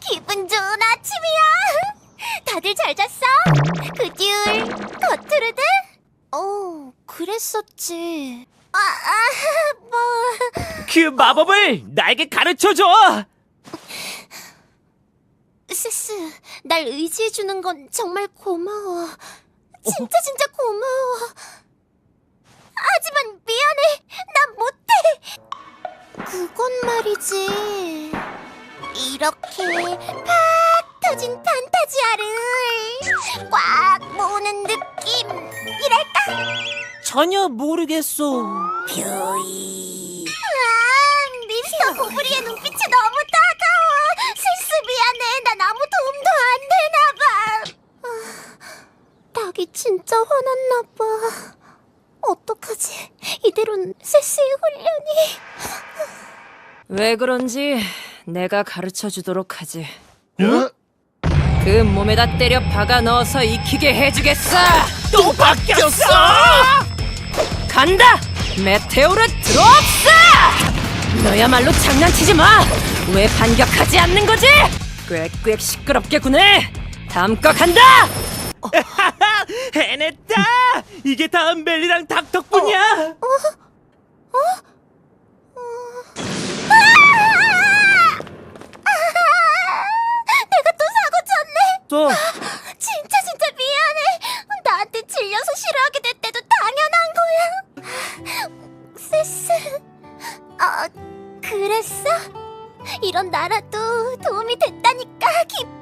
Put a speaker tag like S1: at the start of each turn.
S1: 기분 좋은 아침이야. 다들 잘 잤어? 그듀울, 거트루드? 그랬었지. 뭐...
S2: 그 마법을 나에게 가르쳐줘!
S1: 스스, 날 의지해주는 건 정말 고마워. 진짜 고마워. 하지만 미안해. 난 못해. 그건 말이지. 이렇게 팍 터진 판타지아를 꽉 모으는 느낌이랄까?
S2: 전혀 모르겠어.
S1: 뷰이. 미스터 고브리의 눈빛이 너무 따가워. 슬슬 미안해. 난 아무 도움도 안 되나 봐. 닭이 진짜 화났나 봐. 어떡하지? 이대로는 세스의 훈련이...
S3: 왜 그런지 내가 가르쳐 주도록 하지.
S2: 어?
S3: 그 몸에다 때려 박아 넣어서 익히게 해주겠어.
S2: 또 바뀌었어!
S3: 간다! 메테오르 드롭스! 너야말로 장난치지 마! 왜 반격하지 않는 거지? 꽥꽥 시끄럽게 구네! 다음 거 간다!
S2: 해냈다! 이게 다음 멜리랑 닭 덕분이야!
S1: 내가 또 사고 쳤네.
S2: 또
S1: 진짜 미안해. 나한테 질려서 싫어하게 됐대도 당연한 거야. 세스, 그랬어? 이런 나라도 도움이 됐다니까 기뻐.